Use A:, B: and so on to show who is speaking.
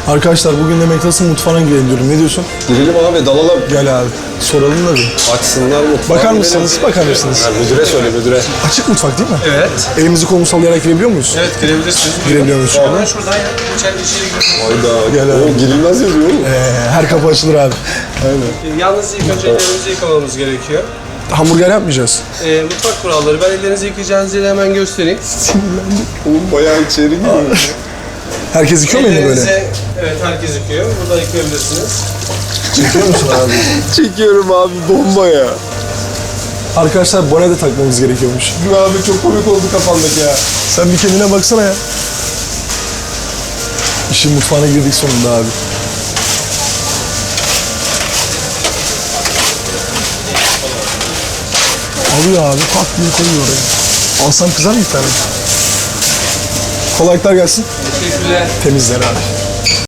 A: Arkadaşlar bugün de McDonald's'ın mutfağına girelim diyorum. Ne diyorsun?
B: Girelim abi, dalalım.
A: Gel abi. Soralım da bir.
B: Açsınlar mutfağı.
A: Bakar mısınız? Bakar mısınız?
B: Ha, müdüre söyle, müdüre.
A: Açık mutfak değil mi?
C: Evet.
A: Elimizi kolumuzu sallayarak girebiliyor muyuz?
C: Evet, girebilirsiniz.
A: Girebiliyor muyuz?
C: Hemen şuradan ya. İçeri girelim.
B: Hayda.
A: Gel abi.
B: O girilmez yazıyor oğlum.
A: Her kapı açılır abi.
B: Aynen.
C: Yalnız ilk önce ellerinizi yıkamamız gerekiyor.
A: Hamburger yapmayacağız.
C: Mutfak kuralları. Ben ellerinizi yıkayacağınız yeri hemen göstereyim.
B: Oğlum bayağı içeri giriyor.
A: Herkes yıkıyor mu elini böyle?
C: Evet, herkes yıkıyor. Burada yıkayabilirsiniz.
A: Çekiyor musun abi?
B: Çekiyorum abi, bomba ya.
A: Arkadaşlar bone de takmamız gerekiyormuş.
B: Abi çok komik oldu kafandaki ya.
A: Sen bir kendine baksana ya. İşin mutfağına girdik sonunda abi. Alıyor abi, pat diye koyuyor oraya. Alsam kızar mı bir tane? Kolaylıklar gelsin.
C: Teşekkürler.
A: Temizler abi.